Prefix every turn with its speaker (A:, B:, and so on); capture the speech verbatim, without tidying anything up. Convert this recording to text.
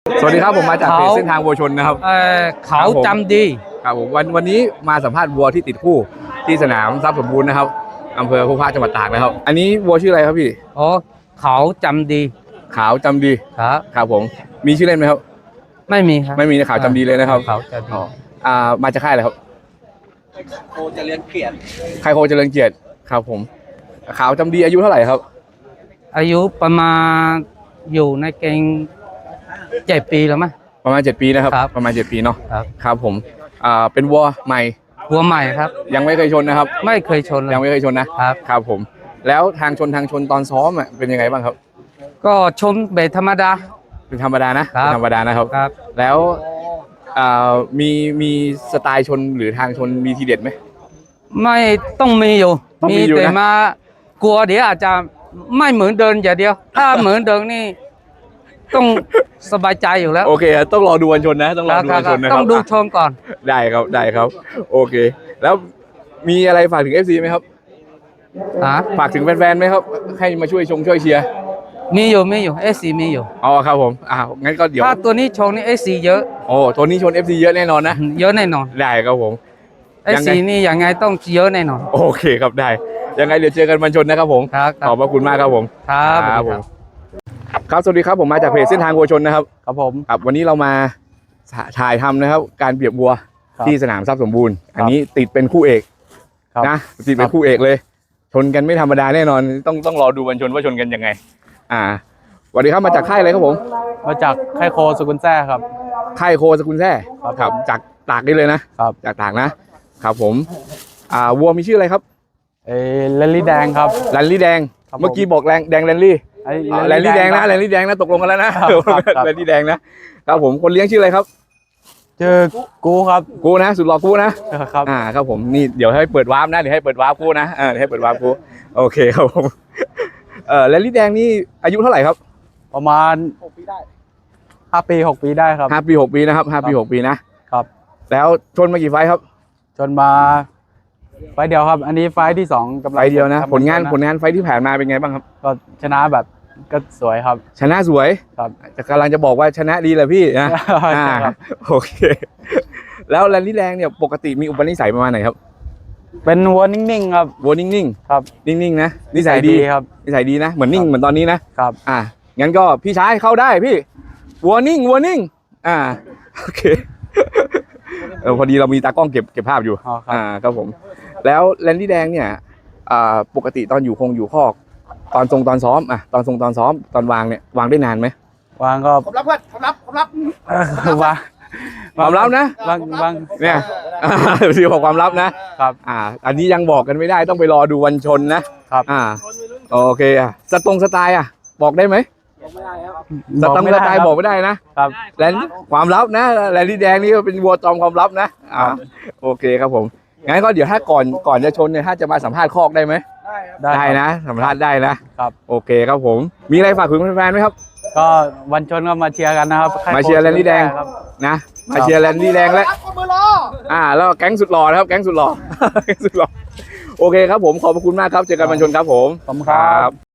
A: สวัสดีครับผมมาจากเพจเส้นทางวัวชนนะครับ
B: เอ่อเขาจำดี
A: ครับผมวันวันนี้มาสัมภาษณ์วัวที่ติดคู่ที่สนามทรัพย์สมบูรณ์นะครับอำเภอพุพาจังหวัดตากนะครับอันนี้วัวชื่ออะไรครับพี่
B: อ๋อเขาจำดี
A: ขาวจำดี
B: ครับ
A: ครับผมมีชื่อเล่นไหมครับ
B: ไม่มีครับ
A: ไม่มีขาวจำดีเลยนะครับ
B: เขาจำดี
A: อ่ามาจากค่ายอะไรครับ
C: โคเจริญเกียรติ
A: ค่ายโคเจริญเกียรติครับผมขาวจำดีอายุเท่าไหร่ครับ
B: อายุประมาณอยู่ในเกณฑ์เจ็ดปีแล้วมั้ย
A: ประมาณเจ็ดปีนะครับประมาณเจ็ดปีเนาะ
B: ครับ
A: ครับผมอ่าเป็นวัวใหม่
B: วัวใหม่ครับ
A: ยังไม่เคยชนนะครับ
B: ไม่เคยชนเลย
A: ยังไม่เคยชนนะครับครับผมแล้วทางชนทางชนตอนซ้อมอ่ะเป็นยังไงบ้างครับ
B: ก็ชนเบสธรรมดา
A: เป็นธรรมดานะเป็นธรรมดานะครับ
B: ครับ
A: แล้วอ่ามีมีสไตล์ชนหรือทางชนมีทีเด็ดไหม
B: ไม่ต้องมีอยู่มีแต่มากลัวเดี๋ยวอาจจะไม่เหมือนเดินอย่างเดียวถ้าเหมือนเดิมนี่ต้องสบายใจอยู่แล้ว
A: โอเคต้องรอดูวันชนนะต้องรอดูวันชนนะครับ
B: ต้องดูชนก่อน
A: ได้ครับได้ครับโอเคแล้วมีอะไรฝากถึง เอฟ ซี ไหมครับฝากถึงแฟนๆไหมครับให้มาช่วยชมช่วยเชียร์
B: มีอยู่มีอยู่เอสซีมีอยู่
A: อ๋อครับผมอ่างั้นก็เดี๋ยว
B: ถ้าตัวนี้ชนนี่เอสซีเยอะ
A: โอ้ตัวนี้ชน เอฟ ซี เยอะแน่นอนนะ
B: เยอะแน่นอน
A: ได้ครับผม
B: เอสซีนี่ยังไงต้องเยอะแน่นอน
A: โอเคครับได้ยังไงเดี๋ยวเจอกันวันชนนะครับผมขอบพระคุณมากครับผม
B: ครับ
A: ผมครับสวัสดีครับผมมาจากเพจเส้นทางวัวชนนะครับ
B: ครับผม
A: ครับวันนี้เรามาถ่ายทำนะครับการเปรียบวัวที่สนามทรัพย์สมบูรณ์อันนี้ติดเป็นคู่เอกนะติดเป็นคู่เอกเลยชนกันไม่ธรรมดาแน่นอนต้องต้องรอดูวันชนว่าชนกันยังไงอ่าสวัสดีครับมาจากค่ายอะไรครับผม
B: มาจากค่ายโคสกุลแท้ครับ
A: ค่ายโคสกุลแท้ครับจากตากนี่เลยนะครับจากตากนะครับผมอ่าวัวมีชื่ออะไรครับ
B: เอแลนลี่แดงครับ
A: แลนลี่แดงเมื่อกี้บอกแดงแดงแลนลี่แลนลี่แดงนะแลนลี่แดงนะตกลงกันแล้วนะแลนลี่แดงนะครับผมคนเลี้ยงชื่ออะไรครับ
B: เจอกูครับ
A: กูนะสุดหล่อกูนะครับอ่าครับผมนี่เดี๋ยวให้เปิดวาร์ปนะเดี๋ยวให้เปิดวาร์ปกูนะเออให้เปิดวาร์ปกูโอเคครับผมเออแลนลี่แดงนี่อายุเท่าไหร่ครับ
B: ประมาณหกปีได้ห้าปีหกปีได้ครับ
A: ห้าปีหกปีนะครับห้าปีหกปีนะครับแล้วชนมากี่ไฟครับ
B: ชนมาไฟเดียวครับอันนี้ไฟที่สอง
A: กำลังไฟเดียวนะผลงานผลงานไฟที่ผ่านมาเป็นไงบ้างครับ
B: ก็ชนะแบบก็สวยครับ
A: ชนะสวย
B: ครับ
A: จะกำลังจะบอกว่าชนะดีแหละพี่นะโอเคแล้วแลนลี่แดงเนี่ยปกติมีอุปนิสัยประมาณไหนครับ
B: เป็นวัวนิ่งๆครับ
A: วัวนิ่ง
B: ๆครับ
A: นิ่งๆนะนิสัยดี
B: ครับ
A: นิสัยดีนะเหมือนนิ่งเหมือนตอนนี้นะครับ
B: อ่
A: างั้นก็พี่ชายเข้าได้พี่วัวนิ่งวัวนิ่งอ่าโอเคเออพอดีเรามีตากล้องเก็บเก็บภาพอยู่อ่าครับผมแล้วแลนลี่แดงเนี่ยอ่าปกติตอนอยู่คงอยู่คอกตอนทรงตอนซ้อมอ่ะตอนทรงตอนซ้อมตอนวางเนี่ยวางได้นานไหม
B: วางก็
C: ผมรับเพื่อนผมรับผมรับ
A: วางความลับนะ
B: วางวาง
A: เนี่ยสีบอกความลับนะครับอ่าอันนี้ยังบอกกันไม่ได้ต้องไปรอดูวันชนนะครับอ่าโอเคอ่ะสตรงสไตล์อ่ะบอกได้ไหม
C: บอกไม่ได้ครับ
A: สตรงสไตล์บอกไม่ได้นะครับแลนความลับนะแลนลี่แดงนี่ก็เป็นวัวจอมความลับนะอ่าโอเคครับผมงั้นก็เดี๋ยวถ้าก่อนก่อนจะชนเนี่ยถ้าจะมาสัมภาษณ์คอกได้ไหมได้นะสัมภาษณ์ได้นะครับโอเคครับผมมีอะไรฝากถึงแฟนๆไหมครับ
B: ก็วันชนก็มาเชียร์กันนะครับ
A: มาเชียร์แลนลี่แดงนะมาเชียร์แลนลี่แดงแล้วอ่าแล้วแก๊งสุดหล่อนะครับแก๊งสุดหล่อแก๊งสุดหล่อโอเคครับผมขอบคุณมากครับเจอกันวันชนครับผม
B: ขอบคุณครับ